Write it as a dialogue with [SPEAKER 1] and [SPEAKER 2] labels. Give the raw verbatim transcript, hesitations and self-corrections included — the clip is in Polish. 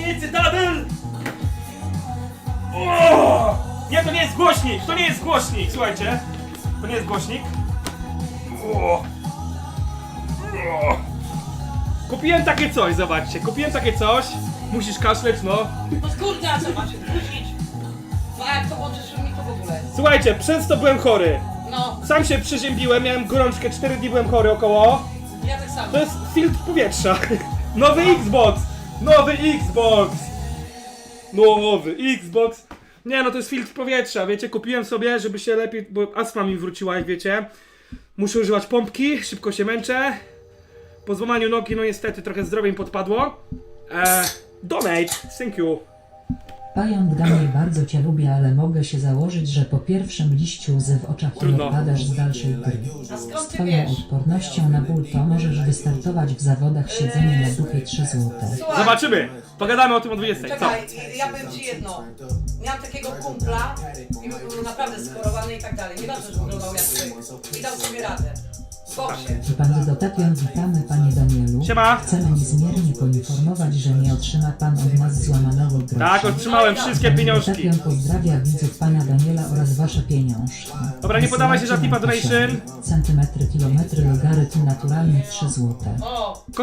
[SPEAKER 1] I Cytadel! O! Nie, to nie jest głośnik! To nie jest głośnik! Słuchajcie. To nie jest głośnik. O! O! Kupiłem takie coś, zobaczcie. Kupiłem takie coś. Musisz kaszleć, no.
[SPEAKER 2] No kurde, a co masz? Musisz. No a jak to włączysz mi to w ogóle?
[SPEAKER 1] Słuchajcie, przez to byłem chory.
[SPEAKER 2] No,
[SPEAKER 1] Sam się przeziębiłem, miałem gorączkę, cztery dni byłem chory około.
[SPEAKER 2] ja tak samo.
[SPEAKER 1] To jest filtr powietrza. Nowy Xbox! Nowy Xbox! Nowy Xbox! Nie no, to jest filtr powietrza, wiecie, kupiłem sobie, żeby się lepiej, bo astma mi wróciła, jak wiecie. Muszę używać pompki, szybko się męczę. Po złamaniu nogi, no niestety, trochę zdrowie mi podpadło. Eee, donate, thank you.
[SPEAKER 3] Pająk Daniel, bardzo cię lubię, ale mogę się założyć, że po pierwszym liściu łzy w oczach nie
[SPEAKER 1] Trudno.
[SPEAKER 3] odpadasz z dalszej gry.
[SPEAKER 2] A skąd
[SPEAKER 3] Z
[SPEAKER 2] ty
[SPEAKER 3] twoją
[SPEAKER 2] wiesz?
[SPEAKER 3] odpornością na ból to możesz wystartować w zawodach siedzenie na dupie trzy złote.
[SPEAKER 2] Słuchaj,
[SPEAKER 1] Zobaczymy, pogadamy o tym o dwudziestej. Co?
[SPEAKER 2] czekaj, ja powiem ci jedno. Miałam takiego kumpla i był naprawdę schorowany i tak dalej. Nieważne, że wyglądał jak ty. I dał sobie radę. W boksie.
[SPEAKER 3] Pan Dotapion, witamy panie Danielu.
[SPEAKER 1] Siema.
[SPEAKER 3] Chcemy niezmiernie poinformować, że nie otrzyma pan od nas złamanego grosza.
[SPEAKER 1] Tak, otrzymałem wszystkie
[SPEAKER 3] Pan
[SPEAKER 1] pieniążki.
[SPEAKER 3] Dotapion pozdrawia widzów pana Daniela oraz wasze pieniążki.
[SPEAKER 1] Dobra, nie podawaj się za tipa
[SPEAKER 3] Wysyłajcie
[SPEAKER 1] donation.
[SPEAKER 3] nam Centymetry, kilometry, logarytm naturalny trzy złote.
[SPEAKER 2] O!